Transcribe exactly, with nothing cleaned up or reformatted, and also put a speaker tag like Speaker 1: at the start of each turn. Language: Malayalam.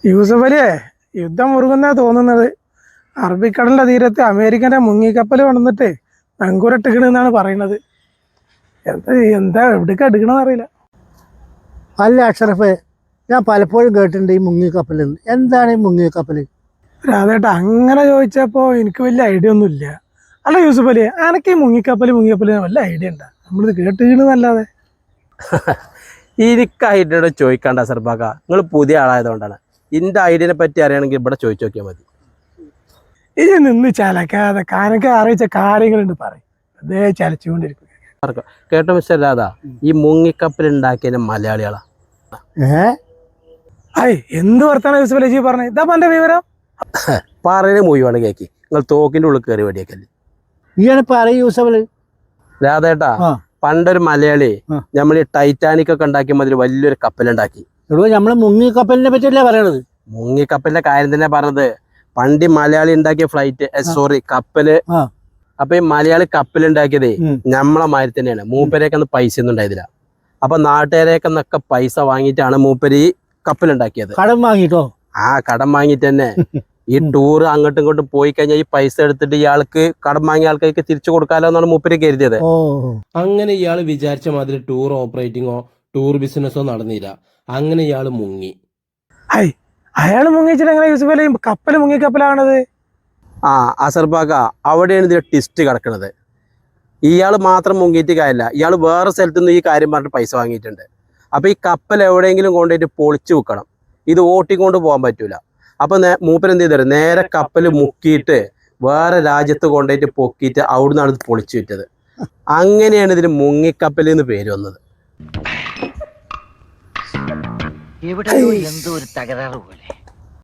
Speaker 1: യൂസഫ് അലിയെ യുദ്ധം മുറുകുന്നാ തോന്നുന്നത്. അറബിക്കടലിന്റെ തീരത്ത് അമേരിക്കന്റെ മുങ്ങിക്കപ്പൽ കൊണ്ടുവന്നിട്ട് നങ്കൂരട്ടിക്കണെന്നാണ് പറയുന്നത്. എന്താ എന്താ എവിടേക്ക് എടുക്കണമെന്ന് അറിയില്ല.
Speaker 2: അല്ല അഷറഫ്, ഞാൻ പലപ്പോഴും കേട്ടിട്ടുണ്ട് ഈ മുങ്ങിക്കപ്പൽ. എന്താണ് ഈ മുങ്ങിക്കപ്പൽ?
Speaker 1: രാധേട്ടാ, അങ്ങനെ ചോദിച്ചപ്പോ എനിക്ക് വലിയ ഐഡിയ ഒന്നും ഇല്ല. അല്ല യൂസഫ് അലിയെ, അനക്ക് ഈ മുങ്ങിക്കപ്പൽ മുങ്ങിക്കപ്പൽ വല്ല ഐഡിയ ഉണ്ടാ? നമ്മളിത് കേട്ടിക്കണെന്നല്ലാതെ.
Speaker 3: എനിക്ക് ഐഡിയയോട് ചോദിക്കണ്ട സർബാക്ക, നിങ്ങൾ പുതിയ ആളായതുകൊണ്ടാണ്. ഇന്റെ ഐഡിയനെ പറ്റി അറിയണമെങ്കിൽ ഇവിടെ ചോദിച്ചു നോക്കിയാൽ മതി.
Speaker 1: ഇനി നിന്ന് ചലക്കാതെ കാനൊക്കെ അറിയിച്ച കാര്യങ്ങളുണ്ട് പറയും, അതേ ചലച്ചുകൊണ്ടിരിക്കും.
Speaker 3: കേട്ടോ മിസ്റ്റർ രാധാ, ഈ മുങ്ങിക്കപ്പൽ ഉണ്ടാക്കിയ മലയാളികളാ.
Speaker 2: ഏ
Speaker 1: അയ് എന്ത് വർത്താനം യൂസഫ് അലി പറഞ്ഞത്? ഇതാ എന്റെ വിവരം.
Speaker 3: പറയുന്ന മുഴുവാണ് കേക്കി. നിങ്ങൾ തോക്കിന്റെ ഉള്ളിൽ കയറി വെടിയേക്കല്ലേ.
Speaker 2: ഈയാണ് പറയും യൂസഫ്.
Speaker 3: രാധേട്ടാ, പണ്ടൊരു മലയാളി നമ്മൾ ഈ ടൈറ്റാനിക് ഒക്കെ ഉണ്ടാക്കിയ മതിൽ വലിയൊരു കപ്പലുണ്ടാക്കി.
Speaker 2: എടോ, നമ്മള് മുങ്ങിക്കപ്പലിനെ പറ്റിയല്ലേ പറയണത്?
Speaker 3: മുങ്ങിക്കപ്പലിന്റെ കാര്യം തന്നെ പറഞ്ഞത്. പണ്ട് മലയാളി ഉണ്ടാക്കിയ ഫ്ലൈറ്റ് സോറി കപ്പല്. അപ്പൊ ഈ മലയാളി കപ്പലുണ്ടാക്കിയതേ നമ്മളെ മാതിരി തന്നെയാണ്. മൂപ്പരേക്ക് അന്ന് പൈസ ഒന്നും ഉണ്ടായതില്ല. അപ്പൊ നാട്ടുകാരേക്കെന്നൊക്കെ പൈസ വാങ്ങിയിട്ടാണ് മൂപ്പര് ഈ കപ്പലുണ്ടാക്കിയത്.
Speaker 2: കടം വാങ്ങിട്ടോ?
Speaker 3: ആ കടം വാങ്ങിയിട്ട് തന്നെ. ഈ ടൂർ അങ്ങോട്ടും ഇങ്ങോട്ടും പോയി കഴിഞ്ഞാൽ ഈ പൈസ എടുത്തിട്ട് ഇയാൾക്ക് കടം വാങ്ങിയ ആൾക്കാർക്ക് തിരിച്ചു കൊടുക്കാലോ എന്നാണ് മൂപ്പര് കരുതിയത്. അങ്ങനെ ഇയാൾ വിചാരിച്ച മാതിരി ടൂർ ഓപ്പറേറ്റിങ്ങോ ടൂർ ബിസിനസ്സോ നടന്നില്ല. അങ്ങനെ ഇയാൾ മുങ്ങി.
Speaker 1: അയ് അയാൾ മുങ്ങിച്ചിട്ട് എങ്ങനെ യൂസഫ് അലി കപ്പൽ മുങ്ങിക്കപ്പലാണത്?
Speaker 3: ആ അസർബാക്ക, അവിടെയാണ് ഇതിന്റെ ടിസ്റ്റ് കിടക്കുന്നത്. ഇയാൾ മാത്രം മുങ്ങിയിട്ട് കാര്യമില്ല, ഇയാൾ വേറെ സ്ഥലത്തു നിന്ന് ഈ കാര്യം പറഞ്ഞിട്ട് പൈസ വാങ്ങിയിട്ടുണ്ട്. അപ്പൊ ഈ കപ്പൽ എവിടെയെങ്കിലും കൊണ്ടുപോയിട്ട് പൊളിച്ചു വെക്കണം. ഇത് ഓട്ടിക്കൊണ്ട് പോകാൻ പറ്റൂല. അപ്പൊ മൂപ്പര് എന്ത് ചെയ്തു, നേരെ കപ്പൽ മുക്കിയിട്ട് വേറെ രാജ്യത്ത് കൊണ്ടുപോയിട്ട് പൊക്കിയിട്ട് അവിടുന്നാണ് ഇത് പൊളിച്ചു വിറ്റത്. അങ്ങനെയാണ് ഇതിന് മുങ്ങിക്കപ്പൽ എന്ന് പേര് വന്നത്.
Speaker 4: എവിടെയോ എന്തോ ഒരു തകരാറ് പോലെ.